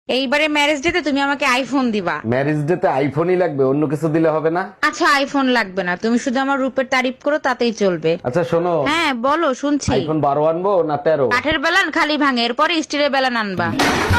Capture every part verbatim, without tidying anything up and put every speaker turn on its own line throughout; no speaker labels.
এইবারে ম্যারেজ ডেতে তুমি আমাকে আইফোন দিবা।
ম্যারেজ ডে তে আইফোনই লাগবে, অন্য কিছু দিলে হবে না?
আচ্ছা আইফোন লাগবে না, তুমি শুধু আমার রূপের তারিফ করো তাতেই চলবে।
আচ্ছা শোনো,
হ্যাঁ বলো শুনছি।
আইফোন বারো আনবো না তেরো?
কাঠের বেলান খালি ভাঙে, এরপরে স্টিলের বেলান আনবা।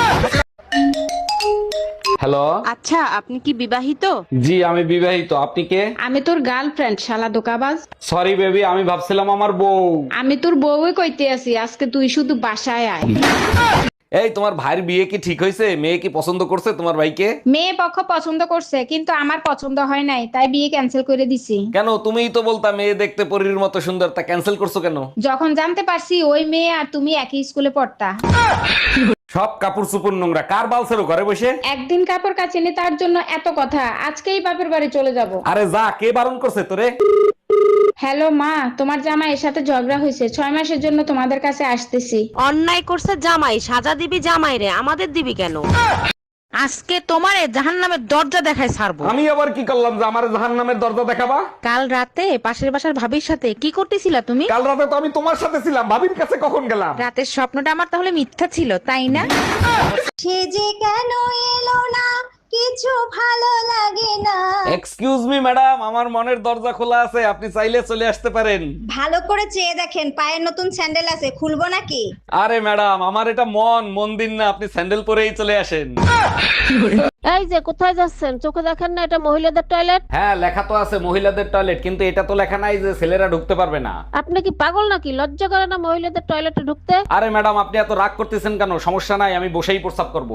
হ্যালো,
আচ্ছা আপনি কি বিবাহিত?
জি আমি বিবাহিত। আপনি কে?
আমি তোর গার্লফ্রেন্ড শালা দোকাবাজ।
সরি বেবি, আমি ভাবছিলাম আমার বউ।
আমি তোর বউই কইতে আছি, আজকে তুই শুধু বাসায় আয়।
এই তোমার ভাইয়ের বিয়ে কি ঠিক হয়েছে? মেয়ে কি পছন্দ করছে তোমার ভাইকে?
মেয়ে পক্ষ পছন্দ করছে, কিন্তু আমার পছন্দ হয় নাই, তাই বিয়ে ক্যান্সেল করে দিছি।
কেন? তুমিই তো বলতা মেয়ে দেখতে পরীর মতো সুন্দর, তা ক্যান্সেল করছো কেন?
যখন জানতে পারছি ওই মেয়ে আর তুমি একই স্কুলে পড়তা।
সব কাপড় চুপুর নোংরা, কার বালছেরো ঘরে বসে?
একদিন কাপড় কাচিনি তার জন্য এত কথা, আজকেই বাপের বাড়ি চলে যাব।
আরে যা, কে বারণ করছে তোরে?
হ্যালো মা, তোমার জামাই এর সাথে ঝগড়া হয়েছে, ছয় মাসের জন্য তোমাদের কাছে আসতেছি।
অন্যায় করছে জামাই, সাজা দিবি জামাই রে, আমাদের দিবি কেন?
আজকে তোমারে জাহান্নামের দরজা দেখায় ছাড়বো।
আমি আবার কি করলাম যে আমার জাহান্নামের দরজা দেখাবা?
কাল রাতে পাশের বাসার ভাবির সাথে কি করতেছিলা তুমি?
কাল রাতে তো আমি তোমার সাথে ছিলাম, ভাবির কাছে কখন গেলাম?
রাতের স্বপ্নটা আমার তাহলে মিথ্যা ছিল তাই না?
সে যে কেন এলো না, কিছু ভালো লাগে না।
এক্সকিউজ মি ম্যাডাম, আমার মনের দরজা খোলা আছে, আপনি চাইলে চলে আসতে পারেন।
ভালো করে চেয়ে দেখেন, পায়ের নতুন স্যান্ডেল আছে, খুলবো নাকি?
আরে ম্যাডাম, আমার এটা মন মন্দির না, আপনি স্যান্ডেল পরেই চলে আসেন।
এই যে কোথায় যাচ্ছেন, চোখে দেখেন না এটা মহিলাদের টয়লেট?
হ্যাঁ লেখা তো আছে মহিলাদের টয়লেট, কিন্তু এটা তো লেখা নাই যে ছেলেরা ঢুকতে পারবে না।
আপনি কি পাগল নাকি? লজ্জা করে না মহিলাদের টয়লেটে ঢুকতে?
আরে ম্যাডাম, আপনি এত রাগ করতেছেন কেন? সমস্যা নাই, আমি বসেই প্রস্রাব করব।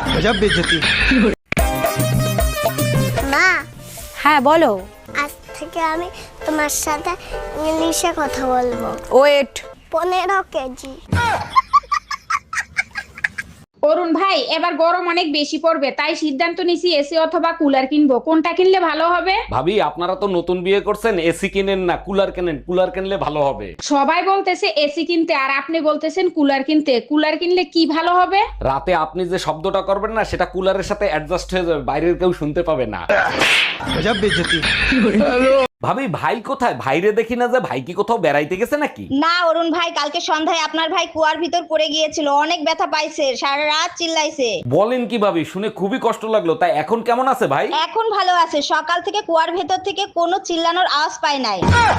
মা,
হ্যাঁ বলো।
আজ থেকে আমি তোমার সাথে ইংলিশে কথা বলবো।
ওয়েট।
পনেরো কেজি।
অরুণ ভাই, এবার গরম অনেক বেশি পড়বে, তাই সিদ্ধান্ত নিছি এসি অথবা কুলার কিনবো। কোনটা কিনলে ভালো হবে?
ভাবি, আপনারা তো নতুন বিয়ে করছেন, এসি কিনেন না কুলার কেনেন, কুলার কিনলে ভালো হবে।
সবাই বলতেছে এসি কিনতে, আর আপনি বলতেছেন কুলার কিনতে। কুলার কিনলে কি ভালো হবে?
রাতে আপনি যে শব্দটা করবেন না, সেটা কুলারের সাথে অ্যাডজাস্ট হয়ে যাবে, বাইরের কেউ শুনতে পাবে না। ভাবি, ভাই কোথায়? ভাইরে দেখি না যে, ভাই কি কোথাও বেড়াইতে গেছে নাকি?
না অরুণ ভাই, কালকে সন্ধ্যায় আপনার ভাই কুয়ার ভিতর পড়ে গিয়েছিল, অনেক ব্যথা পাইছে, সারা রাত চিল্লাইছে।
বলেন কি ভাবি, শুনে খুবই কষ্ট লাগলো। তাই এখন কেমন আছে ভাই?
এখন ভালো আছে, সকাল থেকে কুয়ার ভেতর থেকে কোনো চিল্লানোর আওয়াজ পাই নাই।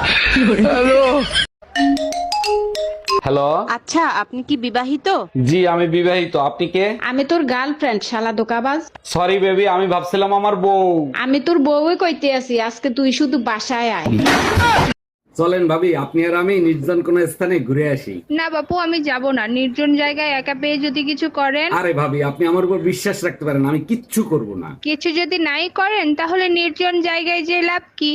হ্যালো,
আচ্ছা আপনি কি বিবাহিত?
জি আমি বিবাহিত। আপনি কে?
আমি তোর গার্লফ্রেন্ড শালা দোকাবাজ।
সরি বেবি, আমি ভাবছিলাম আমার বউ।
আমি তোর বউই কইতে আছি, আজকে তুই শুধু বাসায় আয়।
চলেন ভাবি, আপনি আর আমি নির্জন কোন স্থানে ঘুরে আসি।
না বাপু, আমি যাব না, নির্জন জায়গায় একা পেয়ে যদি কিছু করেন।
আরে ভাবি, আপনি আমার উপর বিশ্বাস রাখতে পারেন, আমি কিচ্ছু করব না।
কিছু যদি নাই করেন, তাহলে নির্জন জায়গায় যে লাভ কি?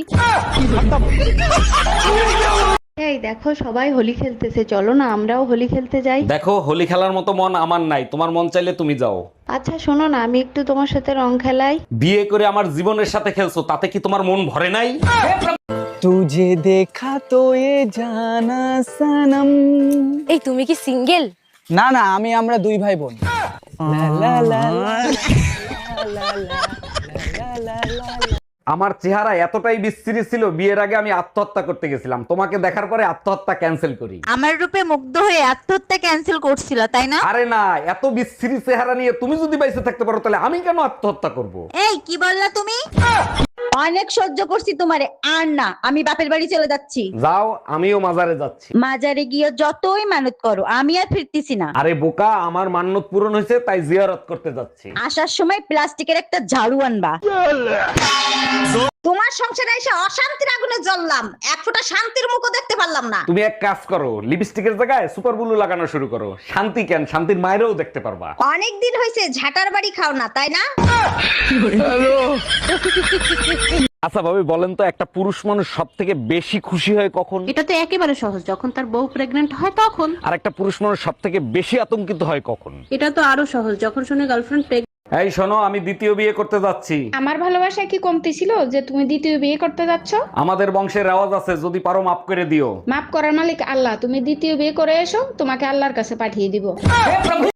এই দেখো সবাই হোলি খেলতেছে, চলো না আমরাও হোলি খেলতে যাই।
দেখো, হোলি খেলার মতো মন আমার নাই, তোমার মন চাইলে তুমি যাও।
আচ্ছা শোনো না, আমি একটু তোমার সাথে রং খেলাই।
বিয়ে করে আমার জীবনের সাথে খেলছো, তাতে কি তোমার মন ভরে নাই?
तुझे देखा तो ये जाना सनम।
এই তুমি কি সিঙ্গেল?
না না, আমি আমরা দুই ভাই বোন। লা লা লা লা লা লা লা লা লা।
আমার চেহারা এতটাই বিশ্রী ছিল, বিয়ের আগে আমি আত্মহত্যা করতে গেছিলাম, তোমাকে দেখার পরে আত্মহত্যা ক্যান্সেল করি।
আমার রূপে মুগ্ধ হয়ে আত্মহত্যা ক্যান্সেল করছিল তাই না?
আরে না, এত বিশ্রী চেহারা নিয়ে তুমি যদি বাইসে থাকতে পারো, তাহলে আমি কেন আত্মহত্যা করব?
এই কি বললা তুমি?
অনেক সহ্য করছি তোমারে, আর না, আমি বাপের বাড়ি চলে যাচ্ছি।
যাও, আমিও মাজারে যাচ্ছি।
মাজারে গিয়ে যতই মানত করো, আমি আর ফিরতেছি না।
আরে বোকা, আমার মান্যত পূরণ হয়েছে, তাই জিয়ারত করতে যাচ্ছি।
আসার সময় প্লাস্টিকের একটা ঝাড়ু আনবা। তোমার সংসারে এসে অশান্তির আগুনে জ্বললাম, এক ফোঁটা শান্তির মুখও দেখতে পারলাম না।
তুমি এক কাজ করো, লিপস্টিকের জায়গায় সুপার ব্লু লাগানো শুরু করো। শান্তি কেন, শান্তির মায়েরও দেখতে পারবা।
অনেক দিন হয়েছে ঝাটার বাড়ি খাও না, তাই না?
আচ্ছা ভাবি, বলেন তো, একটা পুরুষ মানুষ সব থেকে বেশি খুশি হয় কখন?
এটা তো একেবারে সহজ, যখন তার বউ প্রেগনেন্ট হয় তখন।
আর একটা পুরুষ মানুষ সব থেকে বেশি আতঙ্কিত হয় কখন?
এটা তো আরো সহজ, যখন শুনে গার্লফ্রেন্ড প্রেগনেন্ট।
এই শোনো, আমি দ্বিতীয় বিয়ে করতে যাচ্ছি।
আমার ভালোবাসা কি কমতি ছিল যে তুমি দ্বিতীয় বিয়ে করতে যাচ্ছ?
আমাদের বংশের রেওয়াজ আছে, যদি পারো মাফ করে দিও।
মাফ করার মালিক আল্লাহ, তুমি দ্বিতীয় বিয়ে করে এসো, তোমাকে আল্লাহর কাছে পাঠিয়ে দিব।